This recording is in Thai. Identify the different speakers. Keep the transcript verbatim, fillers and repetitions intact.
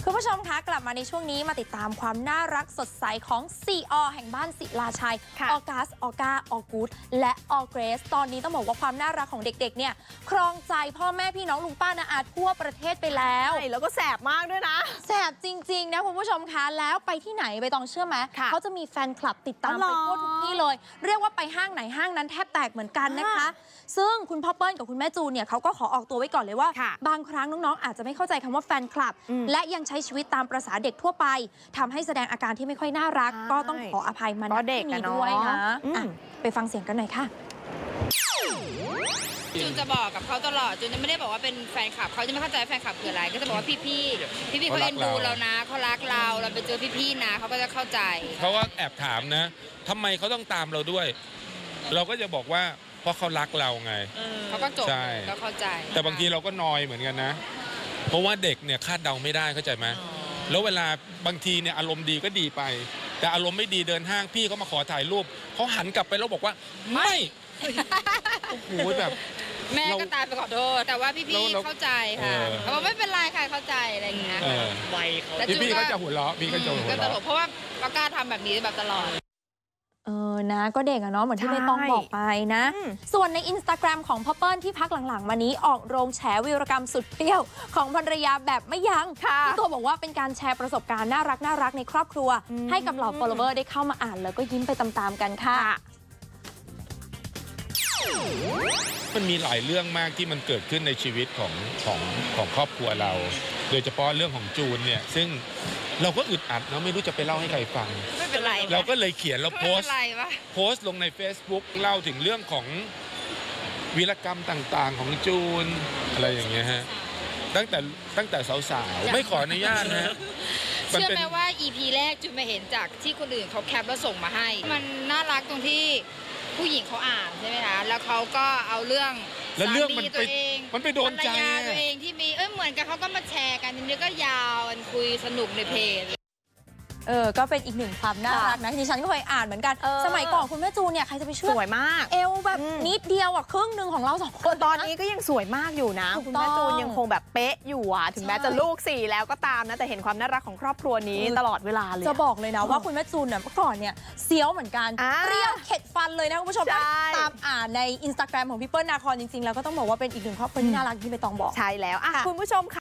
Speaker 1: คุณผู้ชมคะกลับมาในช่วงนี้มาติดตามความน่ารักสดใสของซีอแห่งบ้านศิลาชัยออกัสออก้าออกูดและออเกรสตอนนี้ต้องบอกว่าความน่ารักของเด็กๆเนี่ยครองใจพ่อแม่พี่น้องลุงป้าน้าอาทั่วประเทศไปแล้ว
Speaker 2: แล้วก็แสบมากด้วยนะ
Speaker 1: แสบจริงๆนะคุณผู้ชมคะแล้วไปที่ไหนใบตองเชื่อไหมเขาจะมีแฟนคลับติดตามไปทั่วทุกที่เลยเรียกว่าไปห้างไหนห้างนั้นแทบแตกเหมือนกันนะคะซึ่งคุณพ่อเปิ้ลกับคุณแม่จูนเนี่ยเขาก็ขอออกตัวไว้ก่อนเลยว่าบางครั้งน้องๆอาจจะไม่เข้าใจคำว่าแฟนคลับและยังใช้ชีวิตตามประสาเด็กทั่วไปทำให้แสดงอาการที่ไม่ค่อยน่ารักก็ต้องขออภัยมาณที่นี้ด้วยนะไปฟังเสียงกันหน่อยค่ะ
Speaker 3: จูนจะบอกกับเขาตลอดจูนจะไม่ได้บอกว่าเป็นแฟนคลับเขาจะไม่เข้าใจแฟนคลับคืออะไรก็จะบอกว่าพี่พี่พี่พี่เขาเอ็นดูเรานะเขารักเราเราไปเจอพี่พี่นะเขาก็จะเข้าใจ
Speaker 4: เขาก็แอบถามนะทำไมเขาต้องตามเราด้วยเราก็จะบอกว่าเพราะเขารักเราไง
Speaker 3: เขาก็จบก็เข้าใจ
Speaker 4: แต่บางทีเราก็นอยเหมือนกันนะเพราะว่าเด็กเนี่ยคาดเดาไม่ได้เข้าใจไหมแล้วเวลาบางทีเนี่ยอารมณ์ดีก็ดีไปแต่อารมณ์ไม่ดีเดินห้างพี่เขามาขอถ่ายรูปเขาหันกลับไปแล้วบอกว่าไม่โอ้โหแบบ
Speaker 3: แม่ก็ตายไปขอโทษแต่ว่าพี่พี่เข้าใจค่ะเขาบอกไม่เป็นไรค่ะเข้าใจอะไรอย่างเงี้ย
Speaker 4: ไวพี่พี่ก็จะหัวเราะพี่ก็จะหัวเราะ
Speaker 3: เพราะว่าปากกาทำแบบนี้แบบตลอด
Speaker 1: เออนะก็เด็กอะเนาะเหมือนที่ใบตองบอกไปนะส่วนใน อินสตาแกรม ของพ่อเปิ้ลที่พักหลังๆมานี้ออกโรงแฉวีรกรรมสุดเปรี้ยวของภรรยาแบบไม่ยั้งที่ตัวบอกว่าเป็นการแชร์ประสบการณ์น่ารักน่ารักในครอบครัวให้กับเหล่า follower ได้เข้ามาอ่านแล้วก็ยิ้มไปตามๆกันค่ะ
Speaker 4: มันมีหลายเรื่องมากที่มันเกิดขึ้นในชีวิตของของของครอบครัวเราโดยเฉพาะเรื่องของจูนเนี่ยซึ่งเราก็อึดอัดเนาะไม่รู้จะไปเล่าให้ใครฟัง
Speaker 3: ไม่เป็นไร
Speaker 4: เราก็เลยเขียนแล้วโพสต์โพสต์ลงใน Facebook เล่าถึงเรื่องของวีรกรรมต่างๆของจูนอะไรอย่างเงี้ยฮะตั้งแต่ตั้งแต่สาวๆไม่ขออนุญาตนะ
Speaker 3: เชื่อไหมว่า อี พี แรกจูนมาเห็นจากที่คนอื่นเขาแคปแล้วส่งมาให้มันน่ารักตรงที่ผู้หญิงเขาอ่านใช่ไหมคะแล้วเขาก็เอาเรื่อง
Speaker 4: แล้วเรื่องมันไปมันไปโดนใจ
Speaker 3: ตัวเองที่มีเอ้ยเหมือนกับเขาก็มาแชร์กันทีนี้ก็ยาวกันคุยสนุกในเพจ
Speaker 1: เออก็เป็นอีกหนึ่งความน่ารักนะที่ฉันก็เคยอ่านเหมือนกันสมัยก่อนคุณแม่จูนเนี่ยใครจะไปเชื่อ
Speaker 2: สวยมาก
Speaker 1: เอวแบบนิดเดียวอ่ะครึ่งหนึ่งของเราสองคน
Speaker 2: ตอนนี้ก็ยังสวยมากอยู่นะคุณแม่จูนยังคงแบบเป๊ะอยู่อ่ะถึงแม้จะลูกสี่แล้วก็ตามนะแต่เห็นความน่ารักของครอบครัวนี้ตลอดเวลาเลย
Speaker 1: จะบอกเลยนะว่าคุณแม่จูนเนี่ยเมื่อก่อนเนี่ยเซียวเหมือนกันเปรี้ยวเข็ดฟันเลยนะคุณผู้ชมตามอ่านในอินสตาแกรมของพี่เปิ้ลนาคอนจริงๆแล้วก็ต้องบอกว่าเป็นอีกหนึ่งครอบครัวที่น่ารักที่ใบตองบอก
Speaker 2: ใช่แล้วคุณผู้ชม